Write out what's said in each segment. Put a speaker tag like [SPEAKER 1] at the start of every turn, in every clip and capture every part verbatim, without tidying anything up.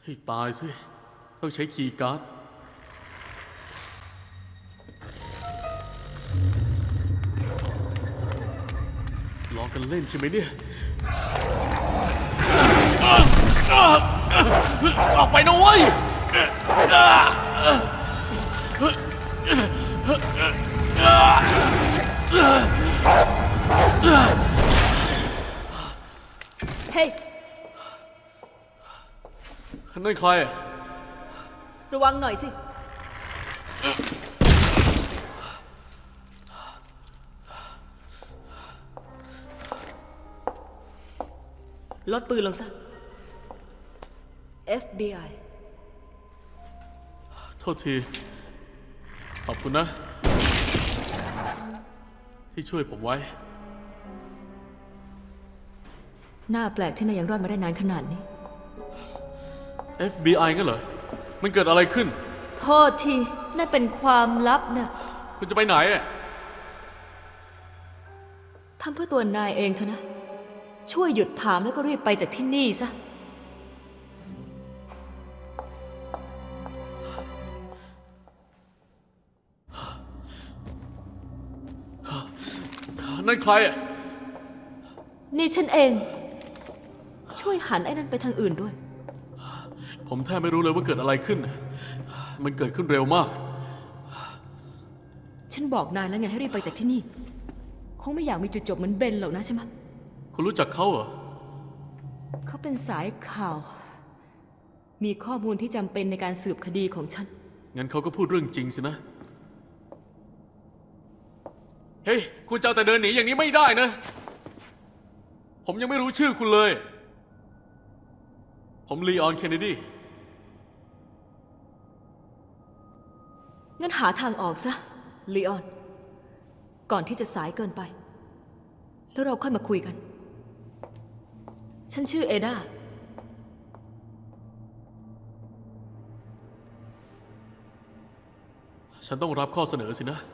[SPEAKER 1] ให้ตายสิต้องใช้คีย์การ์ดล้อกันเล่นใช่ไหมเนี่ยออกไปนะเว้ย
[SPEAKER 2] เฮ้ย
[SPEAKER 1] นั่นใคร
[SPEAKER 2] ระวังหน่อยสิลดปืนลงซะ เอฟ บี ไอ
[SPEAKER 1] โทษทีขอบคุณนะที่ช่วยผมไว้
[SPEAKER 2] หน้าแปลกที่นายยังรอดมาได้นานขนาดนี้
[SPEAKER 1] เอฟ บี ไอ งั้นเหรอมันเกิดอะไรขึ้น
[SPEAKER 2] โทษทีนั่นเป็นความลับนะ
[SPEAKER 1] คุณจะไปไหนอ่ะ
[SPEAKER 2] ทำเพื่อตัวนายเองเถอะนะช่วยหยุดถามแล้วก็รีบไปจากที่นี่ซะ
[SPEAKER 1] นั่นใครอ่ะ
[SPEAKER 2] นี่ฉันเองช่วยหันไอ้นั่นไปทางอื่นด้วย
[SPEAKER 1] ผมแทบไม่รู้เลยว่าเกิดอะไรขึ้นมันเกิดขึ้นเร็วมาก
[SPEAKER 2] ฉันบอกนายแล้วไงให้รีบไปจากที่นี่คงไม่อยากมีจุดจบเหมือนเบนหรอกนะใช่ไหม
[SPEAKER 1] คุณรู้จักเขาเหรอ
[SPEAKER 2] เขาเป็นสายข่าวมีข้อมูลที่จำเป็นในการสืบคดีของฉัน
[SPEAKER 1] งั้นเขาก็พูดเรื่องจริงสินะเฮ้ยคุณจะเอาแต่เดินหนีอย่างนี้ไม่ได้นะผมยังไม่รู้ชื่อคุณเลยผมลีออนเคนเนดี
[SPEAKER 2] งั้นหาทางออกซะลีออนก่อนที่จะสายเกินไปแล้วเราค่อยมาคุยกันฉันชื่อเอดา
[SPEAKER 1] ฉันต้องรับข้อเสนอสินะ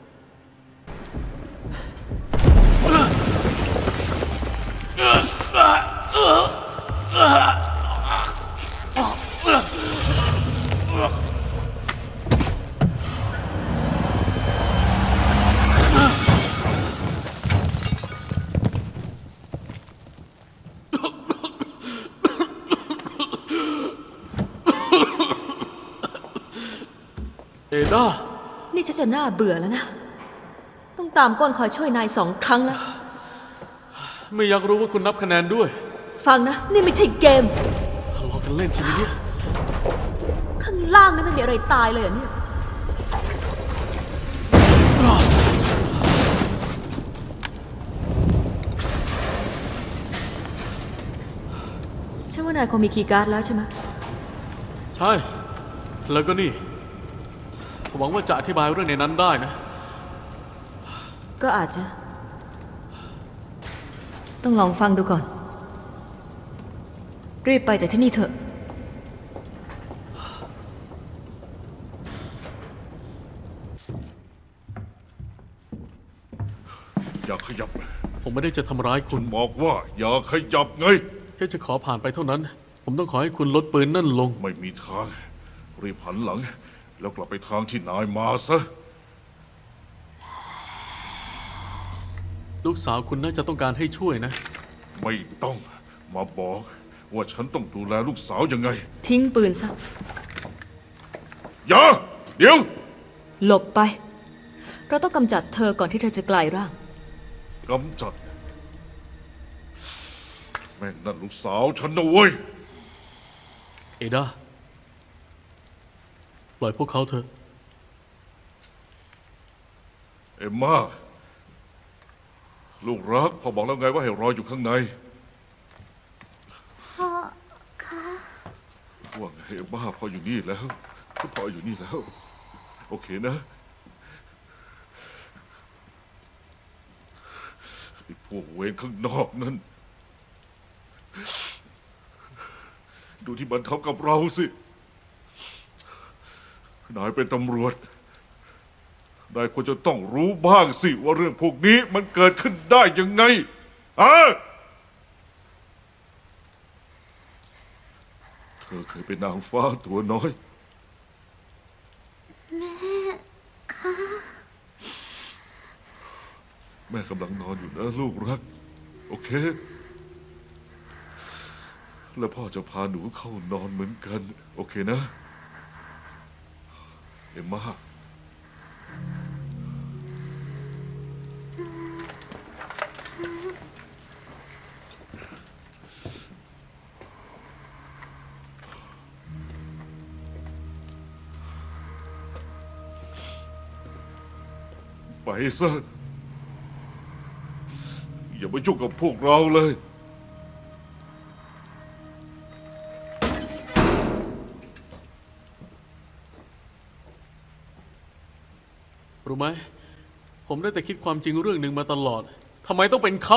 [SPEAKER 1] เอดา
[SPEAKER 2] นี่ฉันจะน่าเบื่อแล้วนะต้องตามก้นคอยช่วยนายสองครั้งแล้ว
[SPEAKER 1] ไม่อยากรู้ว่าคุณนับคะแนนด้วย
[SPEAKER 2] ฟังนะนี่ไม่ใช่เกม
[SPEAKER 1] ทะเลาะกันเล่นใช่ไหมเนี่ย
[SPEAKER 2] ข้างล่างนั้นไม่มีอะไรตายเลยอ่ะเนี่ยฉันว่านายคงมีคีย์การ์ดแล้วใช่ไหม
[SPEAKER 1] ใช่แล้วก็นี่ผมหวังว่าจะอธิบายเรื่องในนั้นได้นะ
[SPEAKER 2] ก็อาจจะต้องลองฟังดูก่อนรีบไปจากที่นี่เถอะ
[SPEAKER 3] อย่าขยับ
[SPEAKER 1] ผมไม่ได้จะทำร้ายคุณ
[SPEAKER 3] บอกว่าอย่าขยับไง
[SPEAKER 1] แค่จะขอผ่านไปเท่านั้นผมต้องขอให้คุณลดปืนนั่นลง
[SPEAKER 3] ไม่มีทางรีบหันหลังแล้วกลับไปทางที่นายมาซะ
[SPEAKER 1] ลูกสาวคุณน่าจะต้องการให้ช่วยนะ
[SPEAKER 3] ไม่ต้องมาบอกว่าฉันต้องดูแลลูกสาวยังไง
[SPEAKER 2] ทิ้งปืนซะ
[SPEAKER 3] อย่าเดี๋ยว
[SPEAKER 2] หลบไปเราต้องกำจัดเธอก่อนที่เธอจะกลายร่าง
[SPEAKER 3] กำจัดแม่นั่นลูกสาวฉันนะเว้ย
[SPEAKER 1] เอดาปล่อยพวกเขาเถอะ
[SPEAKER 3] เอ็มม่าลูกรักพ่อบอกแล้วไงว่าให้รออยู่ข้างใน
[SPEAKER 4] พ่อคะ
[SPEAKER 3] ว่าไงเอ็มม่าพ่ออยู่นี่แล้วพ่ออยู่นี่แล้วโอเคนะไอ้พวกเวรข้างนอกนั้นดูที่มันทำกับเราสินายเป็นตำรวจนายควรจะต้องรู้บ้างสิว่าเรื่องพวกนี้มันเกิดขึ้นได้ยังไงอะเธอเคยเป็นนางฟ้าตัวน้อย
[SPEAKER 4] แม่คะ
[SPEAKER 3] แม่กำลังนอนอยู่นะลูกรัก โอเค แล้วพ่อจะพาหนูเข้านอนเหมือนกัน โอเคนะ เอ็มมาไปซะ อย่ามายุ่งกับพวกเราเลย
[SPEAKER 1] รู้ไหม ผมได้แต่คิดความจริงเรื่องหนึ่งมาตลอด ทำไมต้องเป็นเขา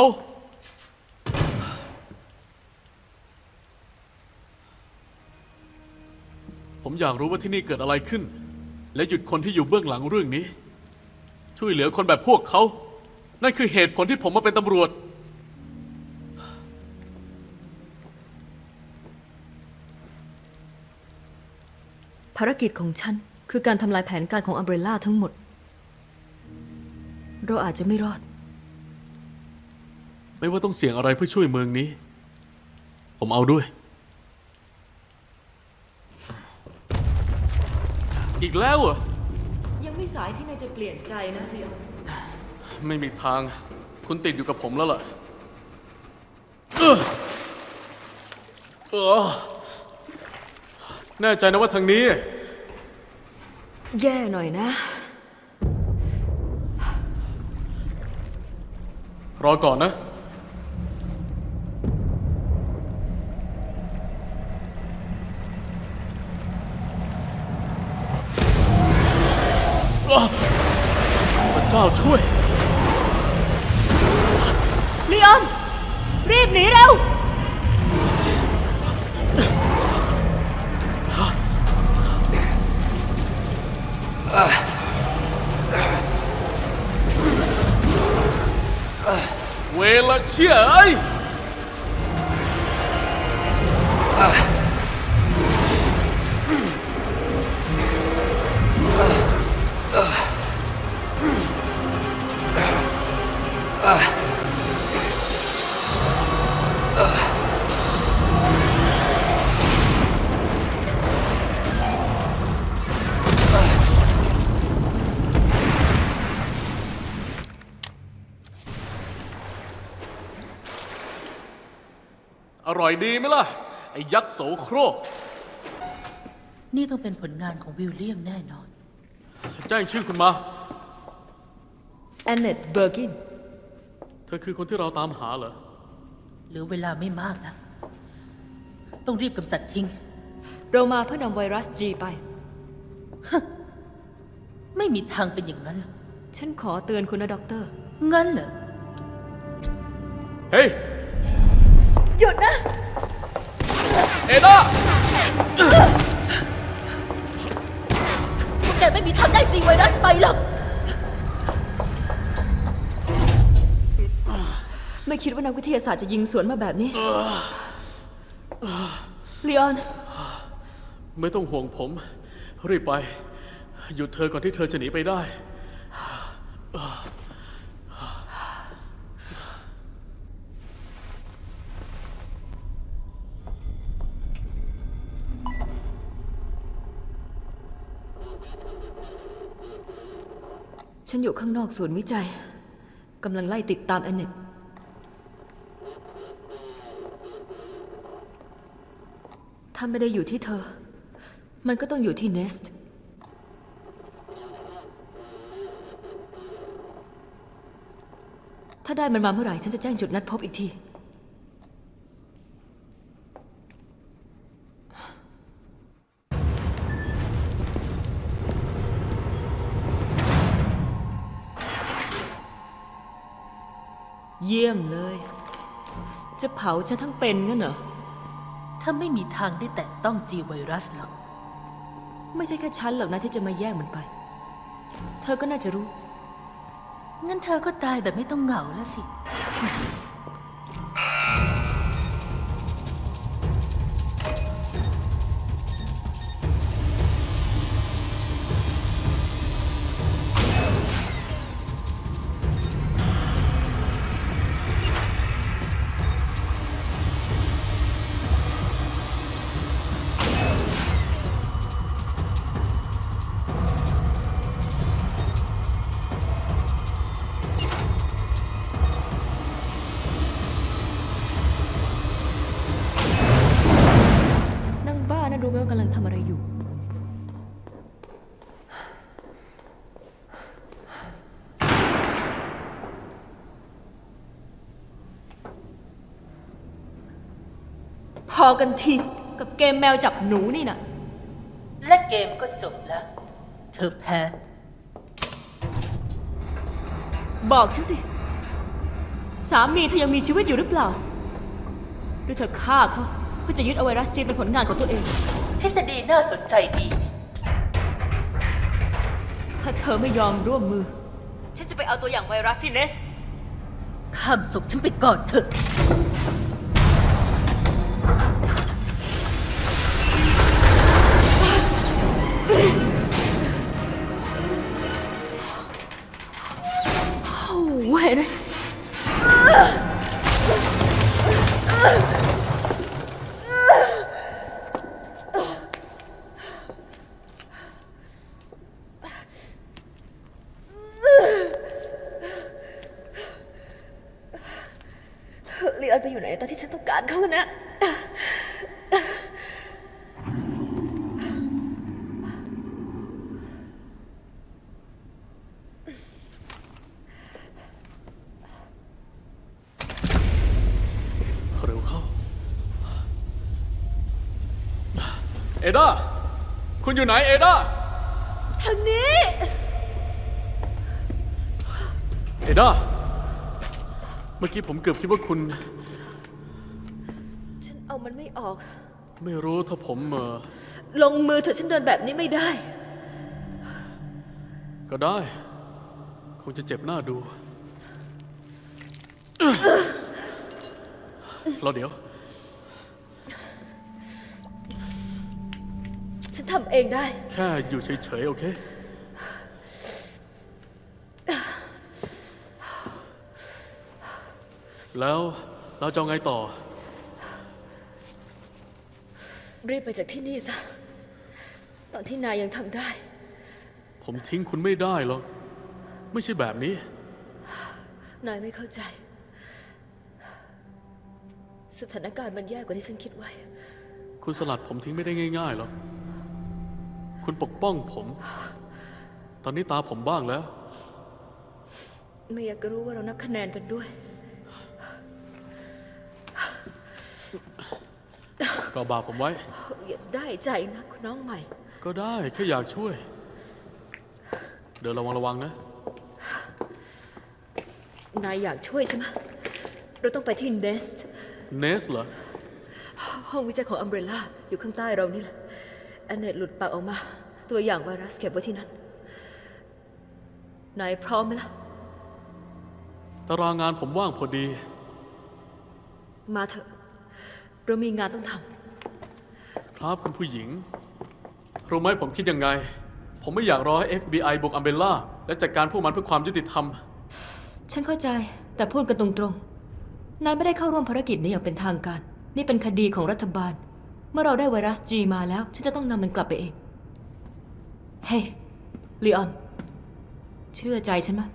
[SPEAKER 1] ผมอยากรู้ว่าที่นี่เกิดอะไรขึ้น และหยุดคนที่อยู่เบื้องหลังเรื่องนี้ ช่วยเหลือคนแบบพวกเขา นั่นคือเหตุผลที่ผมมาเป็นตำรวจ
[SPEAKER 2] ภารกิจของฉันคือการทำลายแผนการของอัมเบรล่าทั้งหมด เราอาจจะไม่รอด
[SPEAKER 1] ไม่ว่าต้องเสี่ยงอะไรเพื่อช่วยเมืองนี้ ผมเอาด้วย อีกแล้วเหรอ
[SPEAKER 2] ยังไม่สายที่นายจะเปลี่ยนใจนะเรียว
[SPEAKER 1] ไม่มีทาง คุณติดอยู่กับผมแล้วล่ะเออเออแน่ใจนะว่าทางนี้
[SPEAKER 2] แย่หน่อยนะ
[SPEAKER 1] รอก่อนนะ พระเจ้าช่วย
[SPEAKER 2] ลีออน รีบหนีเร็ว
[SPEAKER 1] เวลาเชี่ยไอ้ยอร่อยดีไหมล่ะ ไอ้ยักษ์โสโครก
[SPEAKER 5] นี่ต้องเป็นผลงานของวิลเลียมแน่นอน
[SPEAKER 1] แจ้งชื่อคุณมา
[SPEAKER 2] แอนเนตเบอร์กิน
[SPEAKER 1] เธอคือคนที่เราตามหาเหรอ
[SPEAKER 5] เหลือเวลาไม่มากนะ ต้องรีบกำจัดทิ้ง
[SPEAKER 2] เรามาเพื่อนำไวรัสจีไป
[SPEAKER 5] ไม่มีทางเป็นอย่างนั้นหรอก
[SPEAKER 2] ฉันขอเตือนคุณนะด็อกเตอร์
[SPEAKER 5] งั้นเหรอ
[SPEAKER 1] เฮ้ย
[SPEAKER 2] หยุดนะ
[SPEAKER 1] เอด้า
[SPEAKER 5] พวกแกไม่มีทางได้จีไวรัสไปหรอก
[SPEAKER 2] ไม่คิดว่านักวิทยาศาสตร์จะยิงสวนมาแบบนี้ลีออน
[SPEAKER 1] ไม่ต้องห่วงผม รีบไป หยุดเธอก่อนที่เธอจะหนีไปได้
[SPEAKER 2] ฉันอยู่ข้างนอกศูนย์วิจัย กำลังไล่ติดตามแอนเนต ถ้าไม่ได้อยู่ที่เธอ มันก็ต้องอยู่ที่เนสต์ ถ้าได้มันมาเมื่อไหร่ ฉันจะแจ้งจุดนัดพบอีกที เยี่ยมเลย จะเผาฉันทั้งเป็นงั้นเหรอ
[SPEAKER 5] ถ้าไม่มีทางได้แตะต้องจีไวรัสหรอก
[SPEAKER 2] ไม่ใช่แค่ฉันหรอกนะที่จะมาแย่งมันไป เธอก็น่าจะรู้
[SPEAKER 5] งั้นเธอก็ตายแบบไม่ต้องเหงาแล้วสิ
[SPEAKER 2] พรู้ไหมว่ากำลังทำอะไรอยู่ พอกันทีกับเกมแมวจับหนูนี่นะ
[SPEAKER 5] และเกมก็จบแล้ว เธอแพ้
[SPEAKER 2] บอกฉันสิ สามีเธอยังมีชีวิตอยู่หรือเปล่า หรือเธอฆ่าเขาเพื่อจะยึดเอาไวรัสจีนเป็นผลงานของตัวเอง
[SPEAKER 5] ทฤษฎีน่าสนใจดี
[SPEAKER 2] ถ้าเธอไม่ยอมร่วมมือ ฉันจะไปเอาตัวอย่างไวรัสที่เนส
[SPEAKER 5] ข้ามศพฉันไปก่อนเถอะ
[SPEAKER 2] โอ้เว้ยนะลีออนไปอยู่ไหนตอนที่ฉันต้องการเขานะ
[SPEAKER 1] เร็วเข้า เอดา คุณอยู่ไหนเอดา
[SPEAKER 2] ทางนี้
[SPEAKER 1] เอดา เมื่อกี้ผมเกือบคิดว่าคุณ
[SPEAKER 2] ฉันเอามันไม่ออก
[SPEAKER 1] ไม่รู้ถ้าผมเออ
[SPEAKER 2] ลงมือเถอะฉันเดินแบบนี้ไม่ได้
[SPEAKER 1] ก็ได้ คงจะเจ็บหน้าดูรอเดี๋ยว
[SPEAKER 2] ฉันทำเองได้
[SPEAKER 1] แค่อยู่เฉยๆ โอเค แล้วเราจะเอาไงต่อ
[SPEAKER 2] รีบไปจากที่นี่ซะ ตอนที่นายยังทำได้
[SPEAKER 1] ผมทิ้งคุณไม่ได้หรอก ไม่ใช่แบบนี้
[SPEAKER 2] นายไม่เข้าใจ สถานการณ์มันแย่กว่าที่ฉันคิดไว้
[SPEAKER 1] คุณสลัดผมทิ้งไม่ได้ง่ายๆหรอก คุณปกป้องผม ตอนนี้ตาผมบ้างแล้ว
[SPEAKER 2] ไม่อยากจะรู้ว่าเรานับคะแนนกันด้วย
[SPEAKER 1] ก็บาปผมไว้
[SPEAKER 2] อย่าได้ใจนะคุณน้องใหม่
[SPEAKER 1] ก็ได้แค่อยากช่วย เดินระวังระวังนะ
[SPEAKER 2] นายอยากช่วยใช่ไหมเราต้องไปที่เนสต์
[SPEAKER 1] เนสเหรอ
[SPEAKER 2] ห้องวิจัยของอัมเบรล่าอยู่ข้างใต้เรานี่แหละแอนเนตหลุดปากออกมา ตัวอย่างไวรัสเก็บไว้ที่นั่น นายพร้อมไหมล่ะ
[SPEAKER 1] ตารางงานผมว่างพอดี
[SPEAKER 2] มาเถอะ เรามีงานต้องท
[SPEAKER 1] ครับคุณผู้หญิง รู้ไหมผมคิดยังไง ผมไม่อยากรอให้ เอฟ บี ไอ บุกอัมเบล่าและจัดการพวกมันเพื่อความยุติธรรม
[SPEAKER 2] ำฉันเข้าใจ แต่พูดกันตรงๆ นายไม่ได้เข้าร่วมภารกิจนี้อย่างเป็นทางการ นี่เป็นคดีของรัฐบาล เมื่อเราได้ไวรัสจีมาแล้ว ฉันจะต้องนำมันกลับไปเอง เฮ้ยลีออน เชื่อใจฉันไหม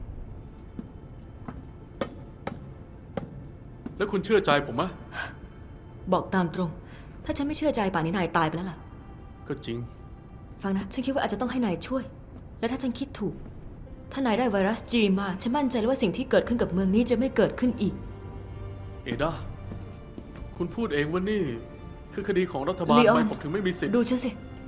[SPEAKER 1] แล้วคุณเชื่อใจผมไหม
[SPEAKER 2] บอกตามตรง ถ้าฉันไม่เชื่อใจป่านนี้นายตายไปแล้วล่ะ
[SPEAKER 1] ก็จริง
[SPEAKER 2] ฟังนะ ฉันคิดว่าอาจจะต้องให้นายช่วย และถ้าฉันคิดถูก ถ้านายได้ไวรัสจีมา ฉันมั่นใจเลยว่าสิ่งที่เกิดขึ้นกับเมืองนี้จะไม่เกิดขึ้นอีก
[SPEAKER 1] เอดา คุณพูดเองว่านี่ คือคดีของรัฐบาล
[SPEAKER 2] ลีออน
[SPEAKER 1] ทำไมผมถึงไม่มีสิทธิ์
[SPEAKER 2] ดูฉันสิ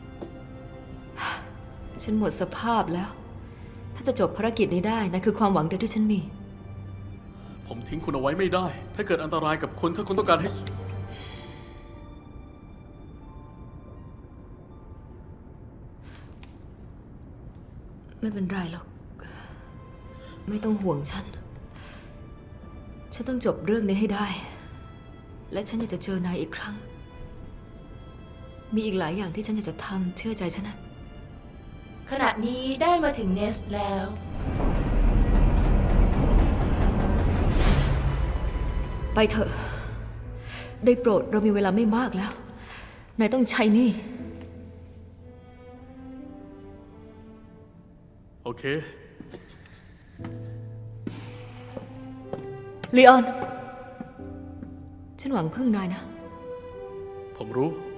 [SPEAKER 2] ฉันหมดสภาพแล้ว ถ้าจะจบภารกิจนี้ได้นั่นคือความหวังเดียวที่ฉันมี
[SPEAKER 1] ผมทิ้งคุณเอาไว้ไม่ได้ ถ้าเกิดอันตรายกับคนถ้าคุณต้องการให้
[SPEAKER 2] ไม่เป็นไรหรอก ไม่ต้องห่วงฉัน ฉันต้องจบเรื่องนี้ให้ได้ และฉันอยากจะเจอนายอีกครั้ง มีอีกหลายอย่างที่ฉันอยากจะทำเชื่อใจฉันนะ
[SPEAKER 4] ขณะนี้ได้มาถึงเนสแล้ว
[SPEAKER 2] ไปเถอะ ได้โปรดเรามีเวลาไม่มากแล้ว นายต้องใช้หนี่
[SPEAKER 1] โอเค
[SPEAKER 2] ลีออน ฉันหวังพึ่งนายนะ
[SPEAKER 1] ผมรู้